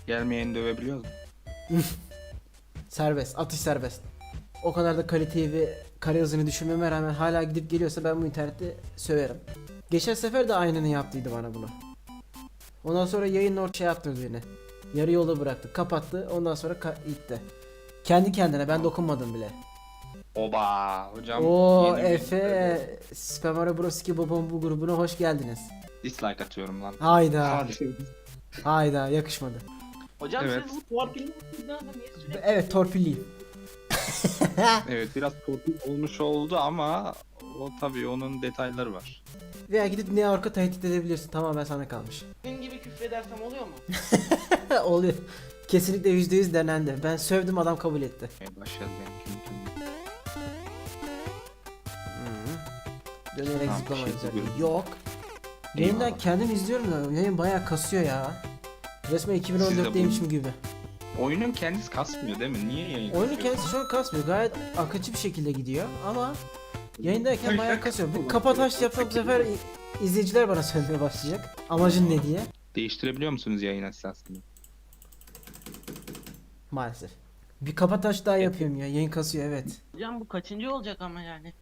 Gelmeyeni dövebiliyor musun? Serbest, atış serbest. O kadar da kaliteyi ve kare hızını düşünmeme rağmen hala gidip geliyorsa ben bu internette söverim. Geçen sefer de aynını yaptıydı bana bunu. Ondan sonra yayının ortaya yaptırdı beni. Yarı yolda bıraktı, kapattı, ondan sonra gitti. Kendi kendine, ben dokunmadım bile. Oba hocam. Oo yeni bir- Efe, Super Mario Bros. 2 Babam bu grubuna hoş geldiniz. Dislike atıyorum lan. Hayda, Hadi. hayda yakışmadı. Hocam Evet. siz bu torpilli niye sürekli? Evet, torpilliyim. Evet biraz torpil olmuş oldu ama o tabii onun detayları var. Veya gidip New York'a tehdit edebilirsin, tamamen sana kalmış. Senin gibi küfredersem oluyor mu? Oluyor. Kesinlikle %100 denendi. Ben sövdüm, adam kabul etti. Başladı benim. Dönerek Tamam, zıplama bir şey güzel. buyurun. Yok. Yayından Eyvallah. kendim izliyorum da yayın bayağı kasıyor ya. Resmen Siz de 2014'teymişim gibi. Oyunun kendisi kasmıyor değil mi? Niye yayın Oyunun kasıyor? kendisi şu an kasmıyor. Gayet akıcı bir şekilde gidiyor ama yayındayken Ay, bayağı şaka kasıyor. Bir yapma. kapat aç yapsam bu sefer izleyiciler bana söylemeye başlayacak. Amacın ne diye. Değiştirebiliyor musunuz yayın esnasında? Maalesef. Bir kapat aç daha yapıyorum ya. Yayın kasıyor, evet. Hocam bu kaçıncı olacak ama yani?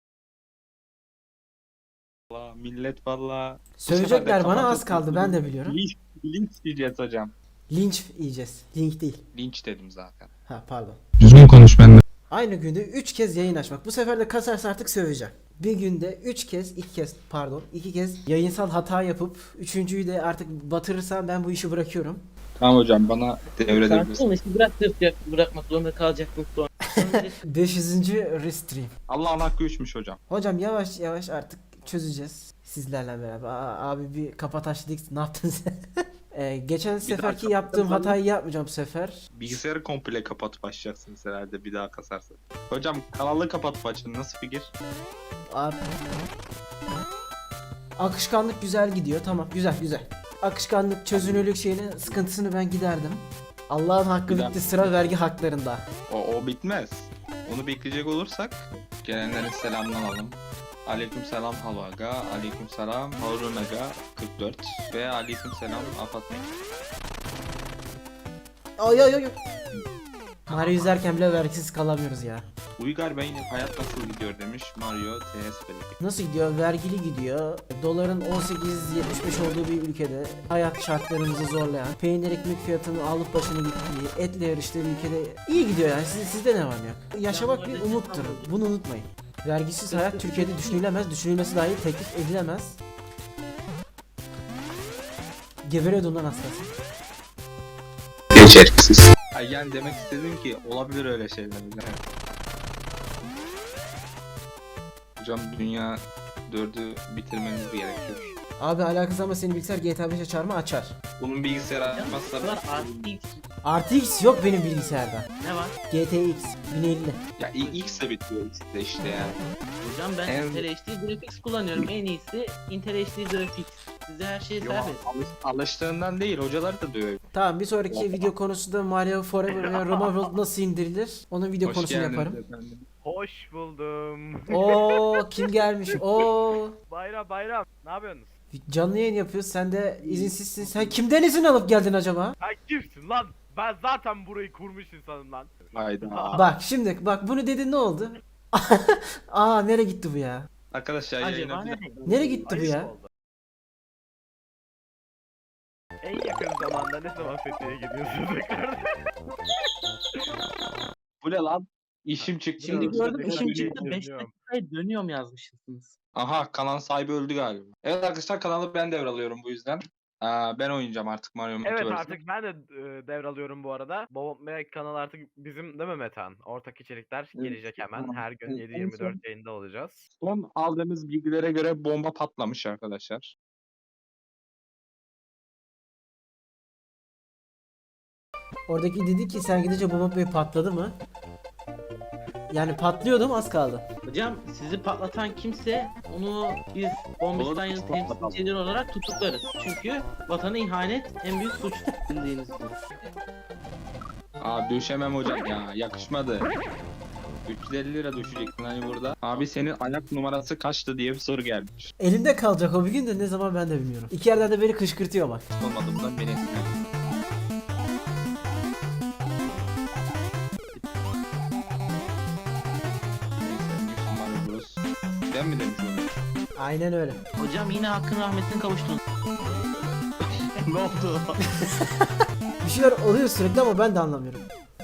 Valla millet valla. Sövecekler bana, az kaldı, ben de biliyorum. Linç diyeceğiz hocam. Linç yiyeceğiz. Link değil. Linç dedim zaten. Ha pardon. Düzgün konuş benimle. Aynı günde 3 kez yayın açmak. Bu sefer de kasarsa artık söveceğim. Bir günde 3 kez, 2 kez yayınsal hata yapıp üçüncüyü de artık batırırsam ben bu işi bırakıyorum. Tamam hocam bana devredebilirsin. Sakin işte bırakmak zorunda kalacaktım sonra. 500. restream. Allah'ın hakkı üçmüş hocam. Hocam yavaş yavaş artık çözeceğiz sizlerle beraber. Abi bir kapat aç dedik, ne yaptın sen? Geçen seferki daha yaptığım kapatalım. hatayı yapmayacağım bu sefer. Bilgisayarı komple kapatıp açacaksınız herhalde bir daha kasarsanız. Hocam kanalı kapatıp açın nasıl fikir? Abi. Akışkanlık güzel gidiyor. Tamam, güzel. Akışkanlık, çözünürlük şeyini, sıkıntısını ben giderdim. Allah'ın hakkı Bir bitti, sıra vergi haklarında. O bitmez. Onu bekleyecek olursak gelenlerin selamını alalım. Aleykümselam Halaga, aleykümselam Harun Aga 44 ve aleykümselam Afat Bey. Ay. Mario izlerken bile vergisiz kalamıyoruz ya. Uygar Bey hayat nasıl gidiyor demiş Mario TS Belediye. Nasıl gidiyor? Vergili gidiyor. Doların 18.75 olduğu bir ülkede hayat şartlarımızı zorlayan, peynir ekmek fiyatının alıp başını gittiği, etle yarıştığı bir ülkede iyi gidiyor yani. Sizde ne var ne yok? Yaşamak bir umuttur. Bunu unutmayın. Vergisiz hayat Türkiye'de düşünülemez. Düşünülmesi dahi teklif edilemez. Geberiyordum lan hastası. Geçersiz. Yani demek istedim ki olabilir öyle şeyler. Hocam dünya 4'ü bitirmeniz gerekiyor. Abi alakası ama senin bilgisayar GTA 5 açar mı? Açar. Bunun bilgisayarı açmazsa Var RTX. RTX yok benim bilgisayarda. Ne var? GTX 1050. ya X de bitiyor X de işte yani. Hocam ben En- Intel HD Graphics kullanıyorum. En iyisi Intel HD Graphics. Sizde her şey Yo, serbest. alıştığından değil hocalar da dövüyor. Tamam, bir sonraki video konusunda Mario Forever ve Roma World nasıl indirilir? Onun video konusunu yaparım. efendim. Hoş buldum. Oo kim gelmiş? Oo Bayram. Ne yapıyorsunuz? canlı yayın yapıyoruz. Sen de izinsizsin. Sen kimden izin alıp geldin acaba? Sen kimsin lan? Ben zaten burayı kurmuş insanım lan. Hayda. Bak şimdi bak bunu dedin, ne oldu? Aa nereye gitti bu ya? Arkadaşlar Acaba yayına ne? Nereye gitti bu Ayıp ya? oldu. En yakın zamanda ne zaman Fethiye'ye gidiyorsun tekrar? Bu ne lan? İşim çıktı. Şimdi gördüm Tekrar işim bir çıktı 5 izliyorum. dakikaya dönüyorum yazmışsınız. Aha kanalın sahibi öldü galiba. Evet arkadaşlar kanalı ben devralıyorum bu yüzden. Ben oynayacağım artık Mario Evet Multiverse'ı. artık ben de devralıyorum bu arada. Bob ve kanal artık bizim değil mi Metehan? Ortak içerikler gelecek hemen. Her gün 7-24 yayında olacağız. Son aldığımız bilgilere göre bomba patlamış arkadaşlar. Oradaki dedi ki sen gidince Bomba Bey patladı mı? Yani patlıyordum, az kaldı. Hocam sizi patlatan kimse onu biz Bombistanya'nın temsilcileri olarak tutuklarız. Çünkü vatana ihanet en büyük suç bildiğiniz gibi. Düşemem hocam ya yakışmadı. 350 lira düşecektin hani burada. Abi senin ayak numarası kaçtı diye bir soru gelmiş. Elimde kalacak o bir gün de, ne zaman ben de bilmiyorum. İki yerden de beni kışkırtıyor bak. Olmadığımdan beni etkiler. Ben mi demiş oluyorum? Aynen öyle. Hocam yine hakkın rahmetine kavuştun. Ne oldu? Bir şeyler oluyor sürekli ama ben de anlamıyorum.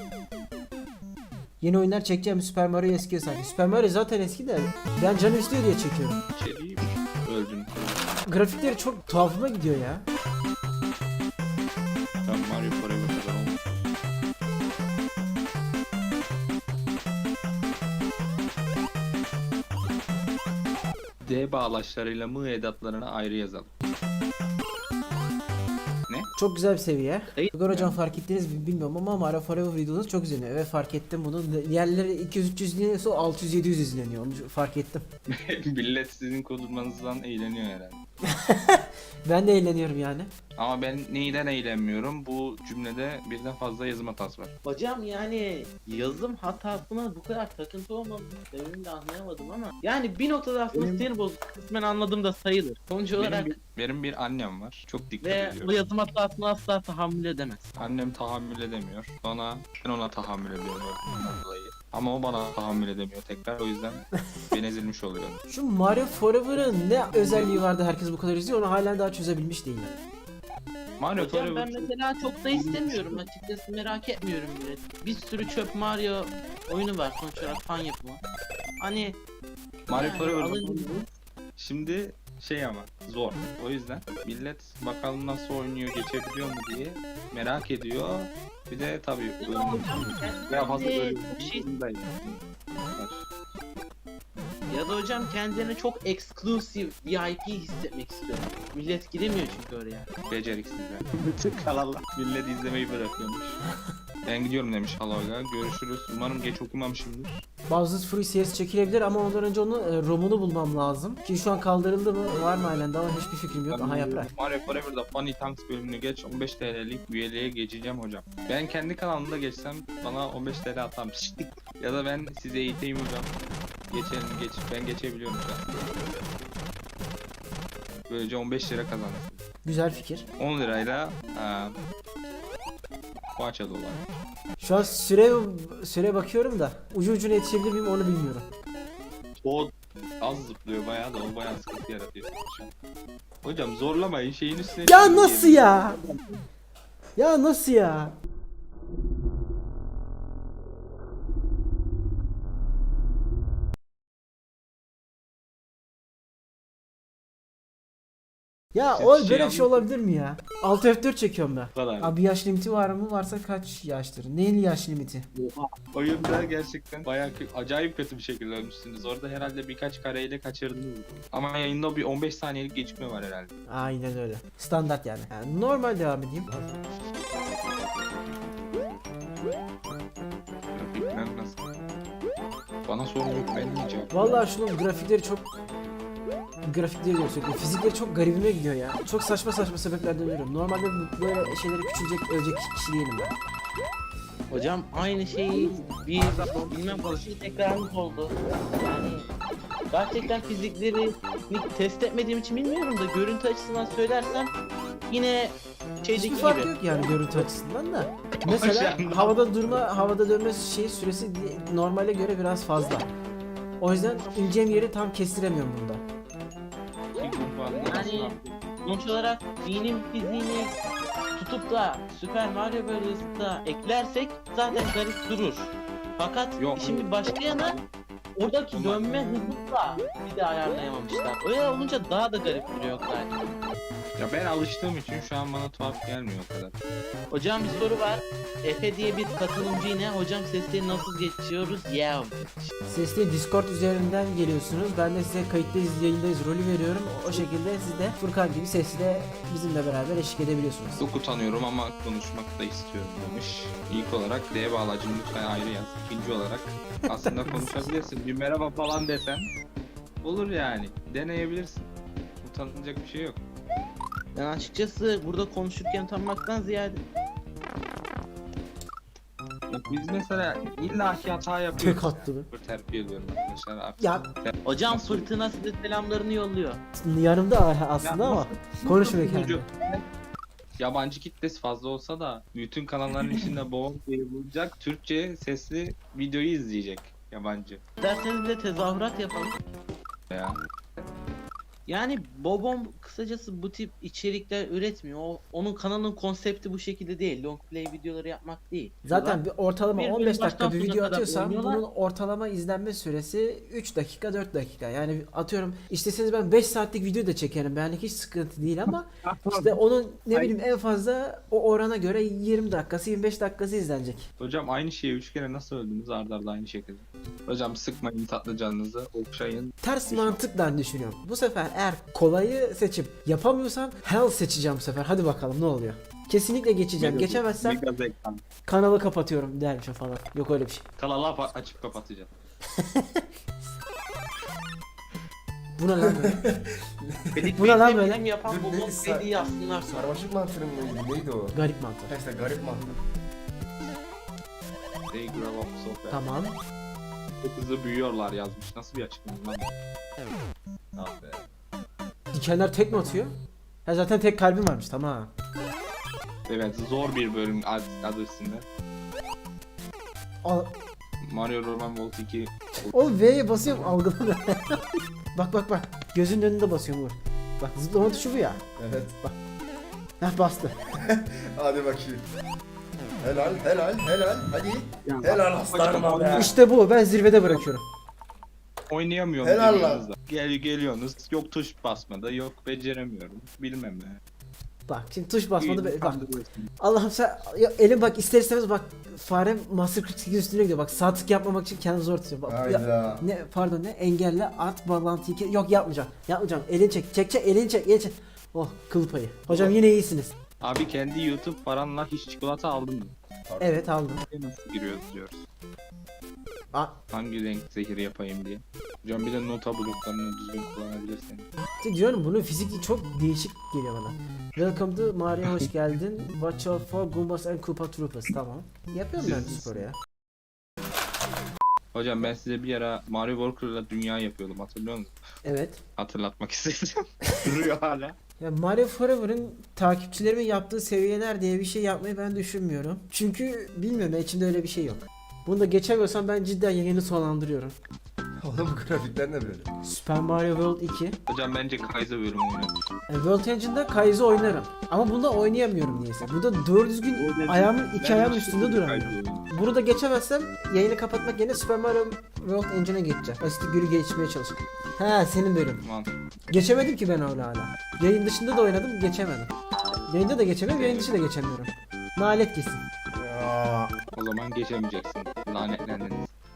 Yeni oyunlar çekeceğim. Super Mario eskiye sanki. Super Mario zaten eski de ben canım istiyor diye çekiyorum. Şey değil mi? Öldün. Grafikleri çok tuhafıma gidiyor ya. Ben Mario Forever kadar olmuş. D bağlaçlarıyla mı edatlarına ayrı yazalım. Çok güzel bir seviye. Değil Igor hocam fark ettiniz mi bilmiyorum ama Mario Forever videonuz çok izleniyor ve fark ettim bunu. Diğerleri 200-300 izleniyorsa 600-700 izleniyor. Onu fark ettim. Millet sizin kodlamanızdan eğleniyor herhalde. Ben de eğleniyorum yani. Ama ben neyden eğlenmiyorum? Bu cümlede birden fazla yazım hatası var. Hocam yani yazım hatasına bu kadar takıntı olmadı. Benim de anlayamadım ama. Yani bir noktada aslında sinir bozuk. Kısmen anladım da sayılır. Sonuç olarak Benim bir annem var. Çok dikkat ve ediyor. bu yazım hatasını asla tahammül edemez. Annem tahammül edemiyor. Ben ona tahammül ediyorum ondan dolayı. Ama o bana tahammül edemiyor tekrar. O yüzden ben ezilmiş oluyorum. Şu Mario Forever'ın ne özelliği vardı herkes bu kadar izliyor onu halen daha çözebilmiş değiller. Mario Hocam Forever ben mesela çok da istemiyorum açıkçası, merak etmiyorum bile. Bir sürü çöp Mario oyunu var sonuç olarak fan yapımı. Hani Mario yani Forever alın- şimdi şey ama zor. O yüzden millet bakalım nasıl oynuyor, geçebiliyor mu diye merak ediyor. Bir de tabii veya fazla kendi böyle bir şey var. ya da hocam kendilerine çok exclusive VIP hissetmek istiyor. Millet giremiyor çünkü oraya. Beceriksizler. Bütün kanallar millet izlemeyi bırakıyormuş. Ben gidiyorum demiş Haloga. Görüşürüz. Umarım geç okumamışımdır. Bowser's Fury serisi çekilebilir ama ondan önce onu ROM'unu bulmam lazım. Ki şu an kaldırıldı mı var mı halen daha hiçbir fikrim yok. Aha yaprak. Mario Forever'da Funny Tanks bölümünü geç 15 TL'lik üyeliğe geçeceğim hocam. Ben kendi kanalımda geçsem bana 15 TL atar mısın? Ya da ben size eğiteyim hocam. Ben geçebiliyorum şu an. Böylece 15 lira kazanırsın. Güzel fikir. 10 lirayla poğaça dolar. Şu an süre bakıyorum da ucu ucuna yetişebilir miyim onu bilmiyorum. O az zıplıyor bayağı da o bayağı sıkıntı yaratıyor şu an. Hocam zorlamayın şeyin üstüne. Ya nasıl ya? Ya nasıl ya? Ya Siz o şey böyle bir şey olabilir mi ya? 6 F4 çekiyorum ben. Bu kadar. Abi yaş limiti var mı? Varsa kaç yaştır? Neyin yaş limiti? Oyunda gerçekten bayağı acayip kötü bir şekilde ölmüşsünüz. Orada herhalde birkaç kareyle kaçırdınız. Ama yayında bir 15 saniyelik gecikme var herhalde. Aynen öyle. Standart yani. Normal devam edeyim. Bilmem nasıl. Bana sorun yok ben diyeceğim. Vallahi şunun grafikleri diyor sürekli. Fizikleri çok garibime gidiyor ya. Çok saçma saçma sebeplerden ölüyorum. Normalde böyle şeyleri küçülecek, ölecek kişi değilim ben. Hocam aynı şeyi bilmem kaç şey tekrarımız oldu. Yani gerçekten fizikleri test etmediğim için bilmiyorum da görüntü açısından söylersem yine şeydeki Hiçbir fark gibi. yok yani görüntü açısından da. Mesela havada dönme süresi normale göre biraz fazla. O yüzden ineceğim yeri tam kestiremiyorum bunda. Yani sonuç olarak dinin fiziğini tutup da Super Mario Bros'ta eklersek zaten garip durur. Fakat Yok. şimdi başka yana oradaki dönme hızını da bir de ayarlayamamışlar. Öyle olunca daha da garip duruyor galiba. Ya ben alıştığım için şu an bana tuhaf gelmiyor o kadar. Hocam bir soru var. Efe diye bir katılımcı yine hocam sesleri nasıl geçiyoruz ya. Sesli Discord üzerinden geliyorsunuz. Ben de size kayıttayız, yayındayız rolü veriyorum. O şekilde siz de Furkan gibi sesli de bizimle beraber eşlik edebiliyorsunuz. Çok utanıyorum ama konuşmak da istiyorum demiş. İlk olarak D bağlacını lütfen ayrı yaz. İkinci olarak aslında konuşabilirsin. Bir merhaba falan desen olur yani. Deneyebilirsin. Utanılacak bir şey yok. Ben açıkçası burada konuşurken utanmaktan ziyade Ya biz mesela illaki hata yapıyoruz. Tek attı be. Terbiye ediyorum arkadaşlar. Ya hocam fırtına size selamlarını yolluyor. yanımda aslında ama konuşmuyor kendi. Yabancı kitlesi fazla olsa da bütün kanalların içinde boğum diye bulacak Türkçe sesli videoyu izleyecek yabancı. İsterseniz de tezahürat yapalım. ya. Yani Bobom kısacası bu tip içerikler üretmiyor. Onun kanalının konsepti bu şekilde değil. Long play videoları yapmak değil. Zaten bir ortalama Bir bölüm 15 dakika baştan bir sona video kadar atıyorsam oynuyorlar. bunun ortalama izlenme süresi 3 dakika 4 dakika. Yani atıyorum isteseniz ben 5 saatlik video da çekerim. Benlik hiç sıkıntı değil ama işte onun ne bileyim en fazla o orana göre 20 dakikası 25 dakikası izlenecek. Hocam aynı şeyi 3 kere nasıl öldünüz arda arda aynı şekilde? Hocam sıkmayın tatlı canınızı, okşayın. Ters mantıkla düşünüyorum. Bu sefer eğer kolayı seçip yapamıyorsam hell seçeceğim bu sefer. Hadi bakalım ne oluyor. Kesinlikle geçeceğim. Geçemezsem Mega zevkten. kanalı kapatıyorum dermişim falan. Yok öyle bir şey. Kanala açıp kapatacağım. Bu ne lan böyle? Benim Bu ne lan böyle? film yapan Dur, Bobom neydi? dediği yazsınlar sonra. Sarmaşık mantığının mıydı? Neydi o? Garip mantık. İşte garip mantık. They grow up so fast. Tamam. Çok hızlı büyüyorlar yazmış. Nasıl bir açıklama lan? Ah be. Dikenler tek mi atıyor? Ha zaten tek kalbim varmış tamam. Evet zor bir bölüm adı üstünde. Al. Mario Roman Volt 2. Oğlum V'ye basıyorum algılamıyor. Bak bak bak. Gözünün önünde basıyorum vur. Bak zıplama tuşu bu ya. Evet. Heh bastı. Hadi bakayım. Helal helal helal. Hadi. Helal aslanıma be. İşte bu. Ben zirvede bırakıyorum. Oynayamıyorum Helal diyorsunuz da. Geliyorsunuz. Yok tuş basmada, yok beceremiyorum. Bilmem ne. Bak şimdi tuş basmadı. Bak. Kandırıyorsun. Allah'ım sen ya, elim bak ister istemez bak farem Master 48 üstüne gidiyor. Bak sağ tık yapmamak için kendimi zor tutuyor. Bak, ya, Hayda. ne pardon ne engelle at bağlantıyı yok yapmayacağım. Yapmayacağım. Elini çek. Çek elini çek. Oh kıl payı. Hocam yine iyisiniz. Abi kendi YouTube paranla hiç çikolata aldın mı? Evet aldım. Nasıl giriyoruz diyoruz. Aa, Hangi renk zehir yapayım diye. Hocam bir de nota bloklarını düzgün kullanabilirsin. işte diyorum bunun fiziki çok değişik geliyor bana. Welcome to Mario hoş geldin. Watch out for Goombas and Koopa Troopas. Tamam. Yapıyorum ben bu sporu ya. Hocam ben size bir ara Mario Walker'la dünya yapıyordum hatırlıyor musunuz? Evet. Hatırlatmak istedim. Duruyor hala. Ya Mario Forever'ın takipçilerimin yaptığı seviyeler diye bir şey yapmayı ben düşünmüyorum. Çünkü bilmiyorum içimde öyle bir şey yok. Bunu da geçemiyorsam ben cidden yayını sonlandırıyorum. Oğlum bu grafikler ne böyle? Super Mario World 2. Hocam bence Kaizo bölümü oynayalım. World Engine'da Kaizo oynarım. Ama bunda oynayamıyorum niyeyse. Burada doğru düzgün ayağımın iki ayağımın üstünde duramıyorum. Bunu da geçemezsem yayını kapatmak yerine Super Mario World Engine'e geçeceğim. Basit gülü geçmeye çalışacağım. Ha senin bölüm. Geçemedim ki ben öyle hala. Yayın dışında da oynadım geçemedim. Yayında da geçemiyorum, yayın dışı da geçemiyorum. Nalet gitsin. Ya. O zaman geçemeyeceksin. Lanetlendiniz.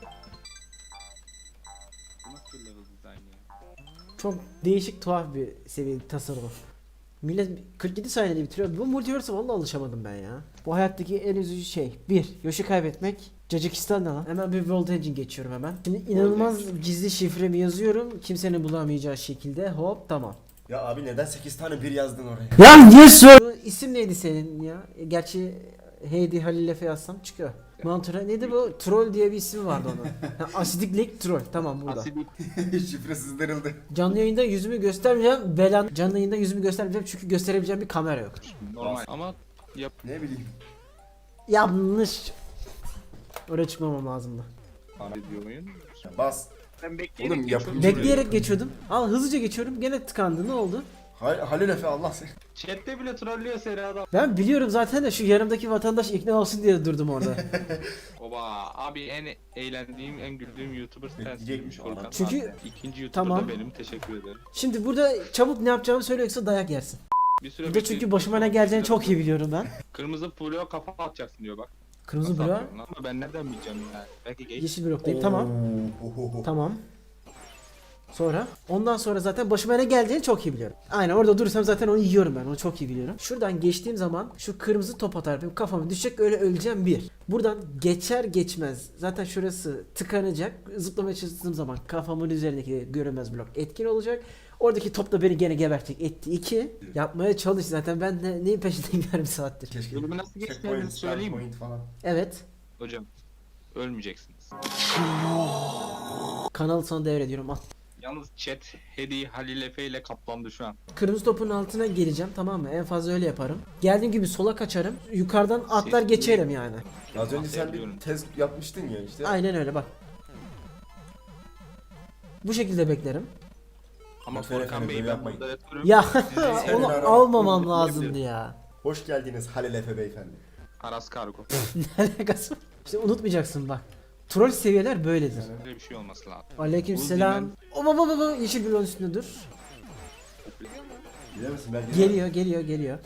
Bu nasıl level design ya? Çok değişik tuhaf bir seviye tasarım. Millet 47 saniyede bitiriyor. Bu multiverse'e vallahi alışamadım ben ya. Bu hayattaki en üzücü şey. 1. Yoshi kaybetmek. Cacikistan ne lan? Hemen bir World Engine geçiyorum hemen. Şimdi inanılmaz gizli şifremi yazıyorum. Kimsenin bulamayacağı şekilde. Hop tamam. Ya abi neden 8 tane bir yazdın oraya? Ya niye sor? İsim neydi senin ya? Gerçi Heidi Halil Efe yazsam çıkıyor. Mantura neydi bu? Troll diye bir ismi vardı onun. Ha, Acidic Lake Troll. Tamam burada. Asidik. Şifre sızdarıldı. Canlı yayında yüzümü göstermeyeceğim. Belan canlı yayında yüzümü göstermeyeceğim çünkü gösterebileceğim bir kamera yok. Normal ama Ne bileyim. Yanlış. Oraya çıkmamam lazımdı. ediyor oyun. Bas. Ben bekleyerek Oğlum, geçiyorum. Bekleyerek geçiyordum. Al hızlıca geçiyorum. Gene tıkandı. Ne oldu? Halil Efe Allah seni. Chat'te bile trollüyor seni adam. Ben biliyorum zaten de şu yanımdaki vatandaş ikna olsun diye durdum orada. Oba abi en eğlendiğim, en güldüğüm YouTuber sensin. Bekleyecekmiş Furkan. oradan. Çünkü- Abi, ikinci YouTuber Tamam. da benim. Teşekkür ederim. Şimdi burada çabuk ne yapacağımı söyle yoksa dayak yersin. Bir süre Burada çünkü başıma ne geleceğini çok iyi biliyorum ben. Kırmızı fluo kafa atacaksın diyor bak. Kırmızı Nasıl bloğa, atıyorsun lan? Ama ben nereden bileceğim yani. Belki geç. yeşil bloktayım. Tamam. Oo. Tamam. Sonra ondan sonra zaten başıma ne geleceğini çok iyi biliyorum. Aynen orada durursam zaten onu yiyorum ben. Onu çok iyi biliyorum. Şuradan geçtiğim zaman şu kırmızı top atar benim kafama düşecek öyle öleceğim bir. Buradan geçer geçmez zaten şurası tıkanacak. Zıplamaya çalıştığım zaman kafamın üzerindeki görünmez blok etkin olacak. Oradaki top da beni gene gebertecek. Etti 2. Yapmaya çalış zaten ben de neyin peşindeyim yarım saattir. Keşke. Bölümü nasıl geçtiğini Checkpoint, söyleyeyim mi? checkpoint falan. Evet. Hocam ölmeyeceksiniz. Kanalı sana devrediyorum. Al. Yalnız chat Hedi Halil Efe ile kaplandı şu an. Kırmızı topun altına geleceğim tamam mı? En fazla öyle yaparım. Geldiğim gibi sola kaçarım. Yukarıdan atlar geçerim yani. Az önce sen Bahsediyorum. bir test yapmıştın ya işte. Aynen öyle bak. Bu şekilde beklerim. Ama Lütfen Furkan efendim, Bey böyle ben yapmayın. burada yatıyorum. Ya Sizi onu Sen- almamam lazımdı ya. Hoş geldiniz Halil Efe beyefendi. Aras Kargo. Ne alakası var? İşte unutmayacaksın bak. Troll seviyeler böyledir. Böyle bir şey olması lazım. Aleykümselam. Baba yeşil bloğun üstünde dur. Bilir misin ben Geliyor.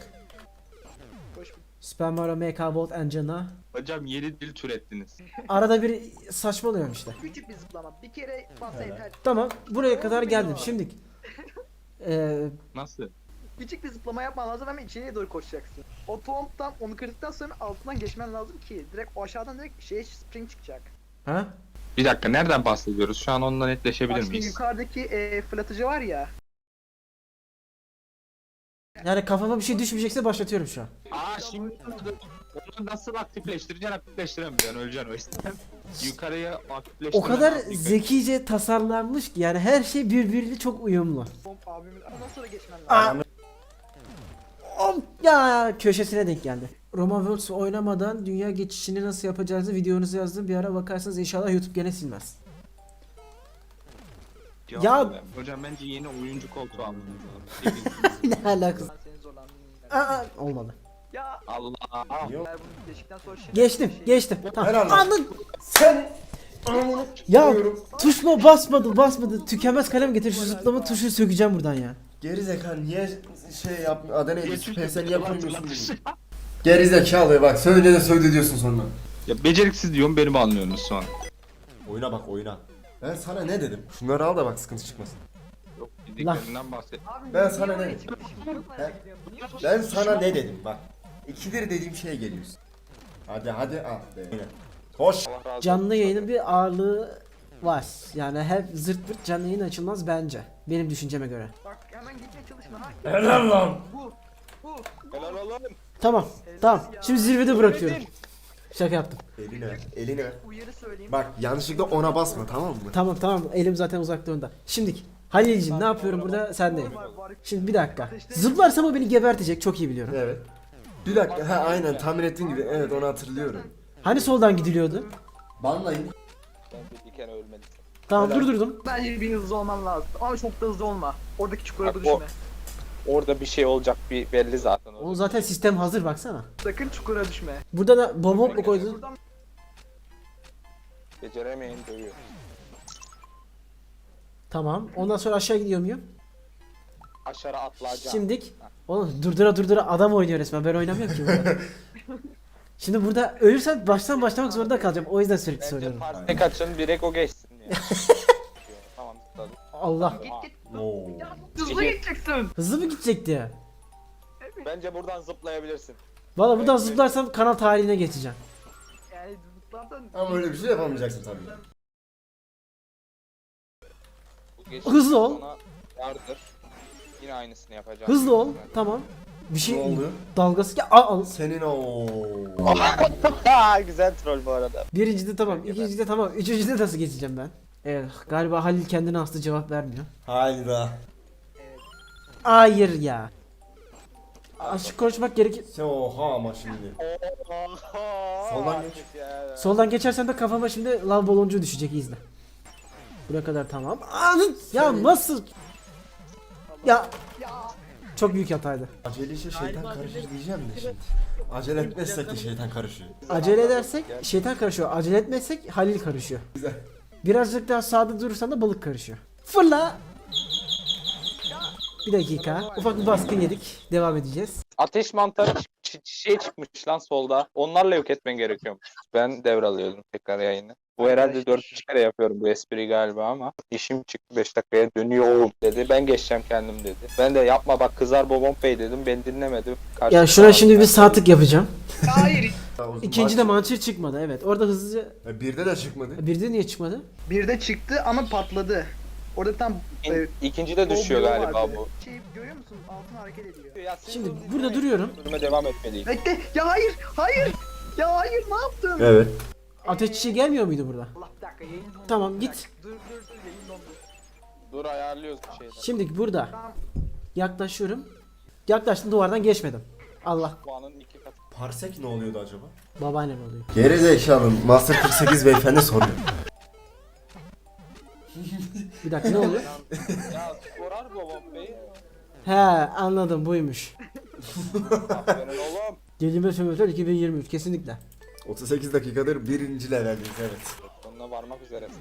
Super Mario Mecha Bolt Engine'a. Hocam yeni dil türettiniz. Arada bir saçmalıyorum işte. Küçük bir zıplama. Bir kere basa yeter. Tamam buraya kadar geldim. Şimdi Nasıl? Küçük bir zıplama yapman lazım, hemen içeriye doğru koşacaksın. O tomb'dan onu kırdıktan sonra altından geçmen lazım ki direkt o aşağıdan direkt spring çıkacak. ha? Bir dakika nereden bahsediyoruz? Şu an onunla netleşebilir Bak şimdi miyiz? yukarıdaki fırlatıcı var ya. Yani kafama bir şey düşmeyecekse başlatıyorum şu an. Şimdi onu nasıl aktifleştiremeyeceksin, öleceksin o yüzden. Yukarıya aktifleştirmen O kadar lazım. zekice tasarlanmış ki yani her şey birbiriyle çok uyumlu. Tomb abimin ondan sonra geçmen lazım. Ya köşesine denk geldi. Roma Worlds oynamadan dünya geçişini nasıl yapacağınızı videonuzu yazdım. Bir ara bakarsınız inşallah YouTube gene silmez. Ya- Hocam bence yeni oyuncu koltuğu almamız lazım. Ne alakası? Ben senin zorlandığını Olmadı. Ya Allah. Yok. eğer bunu geçtikten sonra şimdi Geçtim. Tamam. Helal lan. Anladın. Sen Ya tuşla basmadı. Tükenmez kalem getir şu zıplama tuşunu sökeceğim buradan ya. geri zekalı niye şey yap Adana'yı PS niye koymuyorsun bunu? Geri zekalı bak söyle de söyle diyorsun sonra. Ya beceriksiz diyorum, beni mi anlıyorsunuz şu an? Oyuna bak oyuna. Ben sana ne dedim? Şunları al da bak sıkıntı çıkmasın. Yok, dediklerinden bahset. Abi Ben niye sana oraya ne- çıkmış? Çok merak ediyorum. Niye Ben sana ne dedim bak. İkidir dediğim şeye geliyorsun. Hadi al be. Koş. Canlı yayının bir ağırlığı var. Yani hep zırt pırt canlı yayın açılmaz bence. Benim düşünceme göre. Bak hemen gitmeye çalışma ha. Helal lan. Bu. Helal oğlum. Tamam. Şimdi zirvede bırakıyorum. Şaka yaptım. Eline. Uyarı söyleyeyim. Bak yanlışlıkla ona basma tamam mı? Tamam. Elim zaten uzakta. Şimdi Halil'cim ne yapıyorum burada? Sendeyim. Şimdi bir dakika. Zıplarsam o beni gebertecek. Çok iyi biliyorum. Evet. Bir dakika ha aynen tahmin ettiğin gibi evet onu hatırlıyorum. Hani soldan gidiliyordu? Banlayın. Bir kere ölmedim. Tamam Helal. durdurdum. Bence bir hızlı olman lazım. Ama çok da hızlı olma. Oradaki çukura da düşme. Orada bir şey olacak belli zaten. O zaten sistem hazır baksana. Sakın çukura düşme. Burada da bomba mu koydun? Buradan Beceremeyin dövüyor. Tamam. Ondan sonra aşağı gidiyor muyum? Aşağı atlayacağım. Şimdik. Oğlum durdura adam oynuyor resmen. Ben oynamıyorum ki burada. Şimdi burada ölürsem baştan başlamak zorunda kalacağım. O yüzden sürekli söylüyorum. Partide kaçın, bir o geçsin ya. Tamam, zıpladım. Allah. git. Oo. Ya hızlı gideceksin. Hızlı mı gidecekti ya? Bence buradan zıplayabilirsin. Valla buradan zıplarsam kanal tarihine geçeceğim. Yani zıplarsan... Ama öyle bir şey yapamayacaksın tabii. Bu geçiş Hızlı ol. sonra vardır. Yine aynısını yapacağım. Hızlı ol. Tamam. Bir Ne şey oldu? dalgası ya al. Senin o. Güzel troll bu arada. Birincide tamam, ikincide tamam, üçüncüde nasıl geçeceğim ben? Evet, galiba Halil kendine hasta cevap vermiyor. Hayda. Hayır ya. Açık konuşmak gerekir. Sen oha ama şimdi. Soldan geç. Soldan geçersen de kafama şimdi lav baloncuğu düşecek izle. Buraya kadar tamam. Ya nasıl? Ya çok büyük hataydı. Acele işe şeytan karışır diyeceğim de şimdi. Acele etmezsek de şeytan karışıyor. Acele edersek şeytan karışıyor. Acele etmezsek Halil karışıyor. Güzel. Birazcık daha sağda durursan da balık karışıyor. Fırla. Bir dakika. Ufak bir baskın yedik. Devam edeceğiz. Ateş mantarı şey çıkmış lan solda. Onlarla yok etmen gerekiyormuş. Ben devralıyordum tekrar yayını. Bu herhalde 4 kere yapıyorum bu espriyi galiba ama işim çıktı 5 dakikaya dönüyorum dedi. Ben geçeceğim kendim dedi. Ben de yapma bak kızar babam bey dedim. Ben dinlemedim. Ya şuna şimdi bir saatlik yapacağım. Hayır. İkinci de mançır çıkmadı evet. Orada hızlıca... Birde de çıkmadı. Birde niye çıkmadı? Bir de çıktı ama patladı. Orada tam İkinci de düşüyor Bob galiba vardı. bu. Şey görüyor musun? Altın hareket ediyor. Şimdi burada duruyorum. Bölüme devam etmeliyim. Bekle. Ya hayır. Hayır. Ya hayır ne yaptın? Evet. Ateş çiçeği gelmiyor muydu burada? Allah bir dakika yayın dondu. Tamam, Bir git. dakika. Dur yayın dondu. Dur ayarlıyoruz bir şeyden. Şimdi burada Tamam. yaklaşıyorum. Yaklaştım duvardan geçmedim. Allah Puanın 2 katı. Parsek ne oluyordu acaba? babaannem oluyor. Geri zekalı Master 48 beyefendi soruyor. Bir dakika ne oluyor? Ya skorar babam bey. He anladım buymuş. Aferin oğlum. Gelime Simulator 2023 kesinlikle. 38 dakikadır birinci leveldeyiz evet. Sonuna varmak üzeresiniz.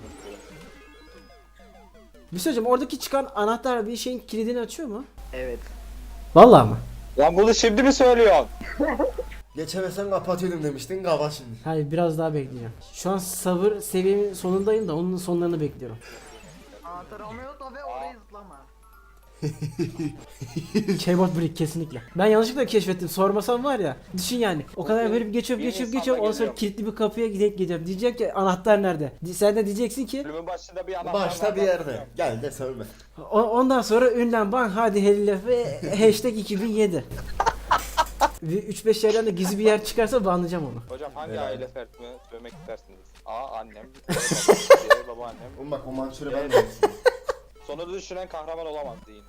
Bir şey söyleyeceğim, oradaki çıkan anahtar bir şeyin kilidini açıyor mu? Evet. Vallahi mı? Lan bunu şimdi mi söylüyorsun? Geçemesen kapatıyordum demiştin kapat şimdi. Hayır biraz daha bekleyeceğim. Şu an sabır seviyemin sonundayım da onun sonlarını bekliyorum. Anahtarı almayı unutma ve orayı zıplama. Keyboard brick kesinlikle. Ben yanlışlıkla keşfettim. Sormasam var ya. Düşün yani. O kadar böyle geçiyorum bir geçiyorum insanla geçiyorum. Ondan sonra geliyorum. kilitli bir kapıya gidip gideceğim. Diyecek ki anahtar nerede? Sen de diyeceksin ki Bölümün başında bir anahtar Başta bir yerde. Gel de sövme. ondan sonra ünlem ban hadi helile ve hashtag 2007. Ve 3-5 yerden de gizli bir yer çıkarsa banlayacağım onu. Hocam hangi Herhalde. aile fertini dövmek istersiniz? A. Annem. B. Babam. C. Babaannem. Oğlum bak o mançuru ben de Sonunu düşünen kahraman olamaz deyin.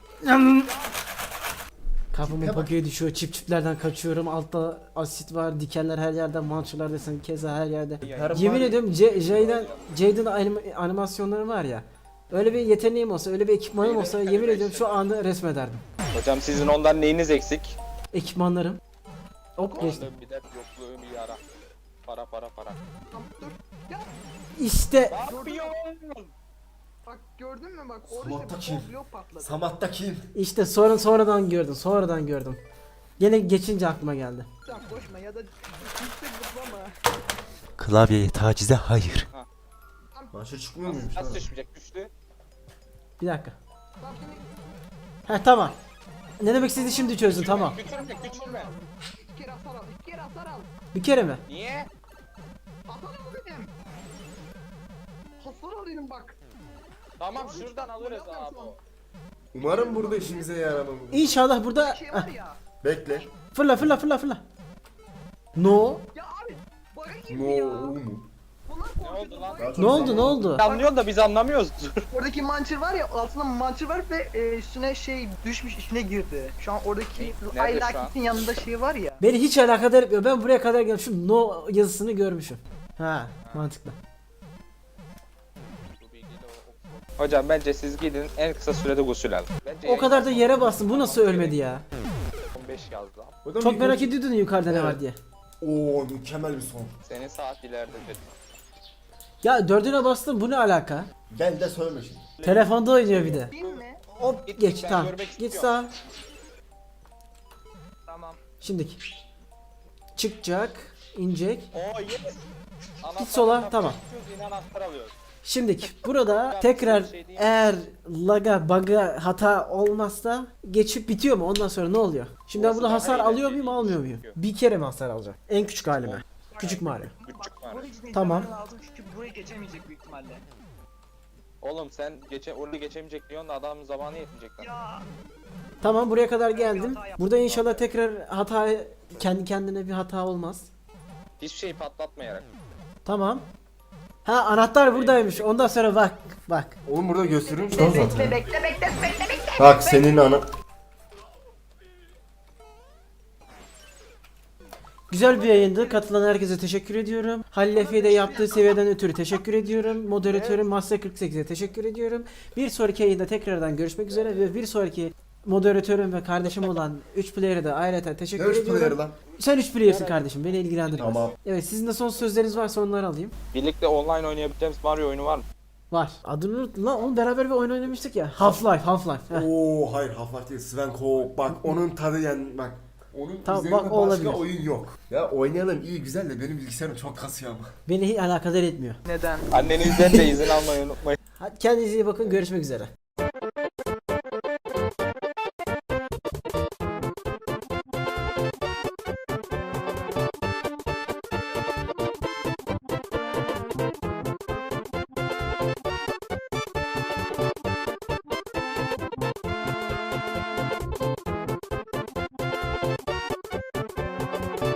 Kafamın bak. pokeyi düşüyor. Çip çiplerden kaçıyorum. Altta asit var. Dikenler her yerde. Mançolar desen keza her yerde. Yemin ediyorum Jaden animasyonları var ya. Öyle bir yeteneğim olsa, öyle bir ekipmanım olsa yemin ediyorum şu anda resmederdim. Hocam sizin ondan neyiniz eksik? Ekipmanlarım. Hop geçtim. Varlığım bir dert, yokluğum bir yara. Para para para. Tamam dur. Ya İşte Ne yapıyorsun? bak gördün mü bak orada Smart'ta işte kim? bir blok patladı. Samat'ta kim? işte sonradan gördüm. Sonradan gördüm. Gene geçince aklıma geldi. Sen koşma ya da hiç de zıplama. Klavyeye tacize hayır. Mançur çıkmıyor muymuş lan? Nasıl düşmeyecek güçlü? Bir dakika. Tamam şimdi He tamam. Ne demek istediğini şimdi çözdün tamam. Küçülme küçülme. 2 kere hasar al. 2 kere hasar al. Bir kere mi? Niye? Hasar al dedim. Hasar al dedim bak. Tamam şuradan alırız abi. Umarım burada işimize yaramam. İnşallah burada Şey var ya. Bekle. fırla fırla fırla fırla. No. Ya abi. Bug'a No girdi ya. mu? Bunlar Ne oldu lan? Daha çok Ne oldu zaman- ne oldu? Anlıyorsun da biz anlamıyoruz. Oradaki mançır var ya altında mançır var ve üstüne şey düşmüş içine girdi. Şu an oradaki Nerede şu an? Aylaki'nin yanında şey var ya. Beni hiç alakadar etmiyor. Ben buraya kadar geldim. Şu no yazısını görmüşüm. Ha mantıklı. Hocam bence siz gidin en kısa sürede gusül alın. Bence O kadar da yere bastım. Bu nasıl ölmedi ya? 15 yazdı. O da Çok bir- merak ediyordun yukarıda ne var diye. Oo mükemmel bir son. Senin saat ileride dedi. Ya dördüne bastım. Bu ne alaka? Gel de sövme şimdi. Telefonda oynuyor bir de. Değil mi? Hop Git, geç ben tamam. görmek Git istiyorum. sağa. Tamam. Şimdiki. Çıkacak. İnecek. Oo yes. Anahtar sola, kapıyı tamam. açıyoruz, yine anahtar alıyoruz. Şimdiki. Burada tekrar eğer bug'a hata olmazsa geçip bitiyor mu? Ondan sonra ne oluyor? Şimdi ben Orası burada daha hasar alıyor muyum eğlenceli. almıyor muyum? Bir kere mi hasar alacağım? En küçük halime. Küçük Mario. Küçük var. Tamam. Lazım çünkü burayı geçemeyecek büyük ihtimalle. Oğlum sen orayı geçemeyecek diyorsun da adamın zamanı yetmeyecek lan. Ya Tamam buraya kadar geldim. Burada inşallah tekrar hata kendi kendine bir hata olmaz. Hiçbir şeyi patlatmayarak. Tamam. Ha anahtar buradaymış. Ondan sonra bak. Oğlum burada gösteriyorum şu an bekle zaten. bekle bekle bekle. Bak senin ana... Güzel bir yayındı. Katılan herkese teşekkür ediyorum. Halil Efe'ye de yaptığı seviyeden ötürü teşekkür ediyorum. Moderatörüm Master 48'e teşekkür ediyorum. Bir sonraki yayında tekrardan görüşmek üzere ve bir sonraki moderatörüm ve kardeşim olan 3 player'e de ayrıca teşekkür Ne üç ediyorum. player lan? Sen 3 player'sin kardeşim. Beni ilgilendirmez. Tamam. Evet sizin de son sözleriniz varsa onları alayım. Birlikte online oynayabileceğimiz Mario oyunu var mı? Var. Adını unuttum lan. Oğlum beraber bir oyun oynamıştık ya. Half-Life. Heh. Oo hayır Half-Life değil Svenko. Bak onun tadı yani bak. Onun Tamam, üzerinde bak, o başka olabilir. oyun yok. Ya oynayalım iyi güzel de benim bilgisayarım çok kasıyor ama. Beni hiç alakadar etmiyor. Neden? Annenizden de izin almayı unutmayın. Hadi kendinize iyi bakın. Görüşmek üzere.